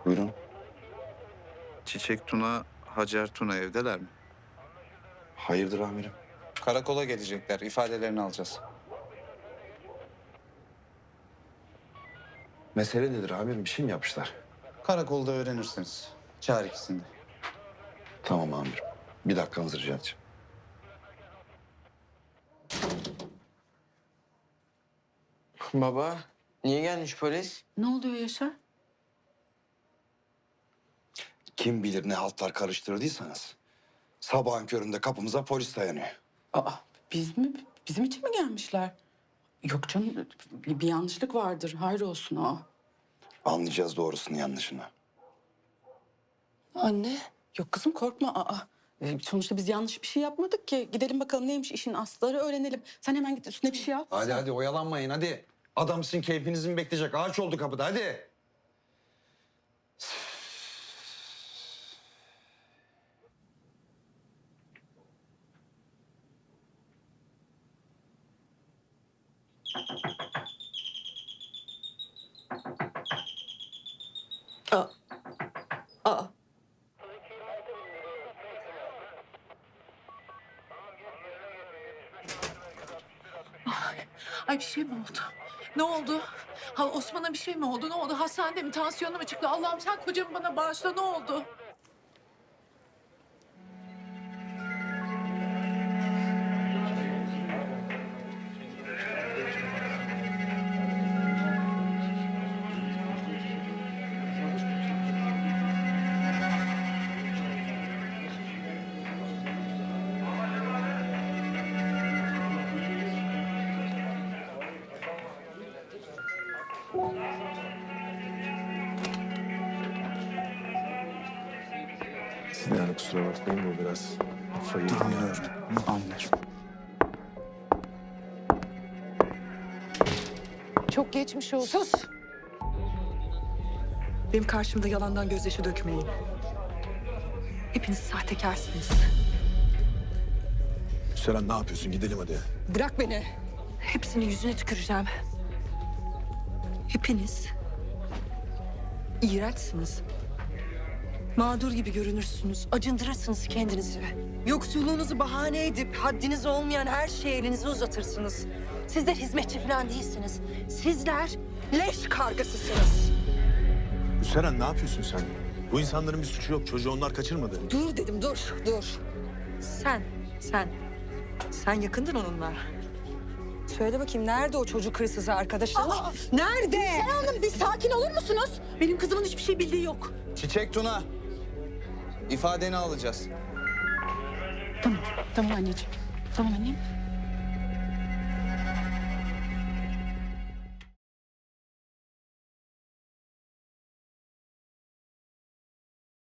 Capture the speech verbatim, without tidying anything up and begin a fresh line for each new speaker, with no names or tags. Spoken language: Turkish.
Buyurun.
Çiçek Tuna, Hacer Tuna evdeler mi?
Hayırdır amirim?
Karakola gelecekler. İfadelerini alacağız.
Mesele nedir amirim? Bir şey mi yapmışlar?
Karakolda öğrenirsiniz. Çağır ikisini de.
Tamam amirim. Bir dakikanızı rica edeceğim.
Baba, niye gelmiş polis?
Ne oluyor Yaşar?
Kim bilir ne haltlar karıştırdıysanız. Sabahın köründe kapımıza polis dayanıyor.
Aa, biz mi? Bizim için mi gelmişler? Yok canım, bir, bir yanlışlık vardır. Hayrolsun o.
Anlayacağız doğrusunu yanlışını.
Anne. Yok kızım korkma. Aa, e, sonuçta biz yanlış bir şey yapmadık ki. Gidelim bakalım neymiş işin asları öğrenelim. Sen hemen git üstüne bir şey al.
Hadi hadi oyalanmayın hadi. Adam sizin keyfinizi mi bekleyecek? Ağaç oldu kapıda hadi.
Aa. Aa.
Ay bir şey mi oldu? Ne oldu? Ha Osman'a bir şey mi oldu? Ne oldu? Hastanede mi? Tansiyonu mu çıktı? Allah'ım sen kocamı bana bağışla. Ne oldu?
Yani kusura bakmayın bu biraz kafayı...
Anlıyorum. Anlıyorum.
Çok geçmiş olsun.
Sus! Benim karşımda yalandan gözyaşı dökmeyin. Hepiniz sahtekarsınız.
Seren ne yapıyorsun? Gidelim hadi.
Bırak beni. Hepsini yüzüne tüküreceğim. Hepiniz iğrençsiniz. Mağdur gibi görünürsünüz. Acındırırsınız kendinizi. Yoksulluğunuzu bahane edip haddiniz olmayan her şeye elinizi uzatırsınız. Sizler hizmetçi falan değilsiniz. Sizler leş kargasısınız.
Seren ne yapıyorsun sen? Bu insanların bir suçu yok. Çocuğu onlar kaçırmadı.
Dur dedim, dur, dur. Sen, sen, sen yakındın onunla. Söyle bakayım, nerede o çocuk hırsızı arkadaşın? Nerede?
Sen Hanım bir sakin olur musunuz?
Benim kızımın hiçbir şey bildiği yok.
Çiçek Tuna. İfadeni alacağız.
Tamam, tamam anneciğim. Tamam annem.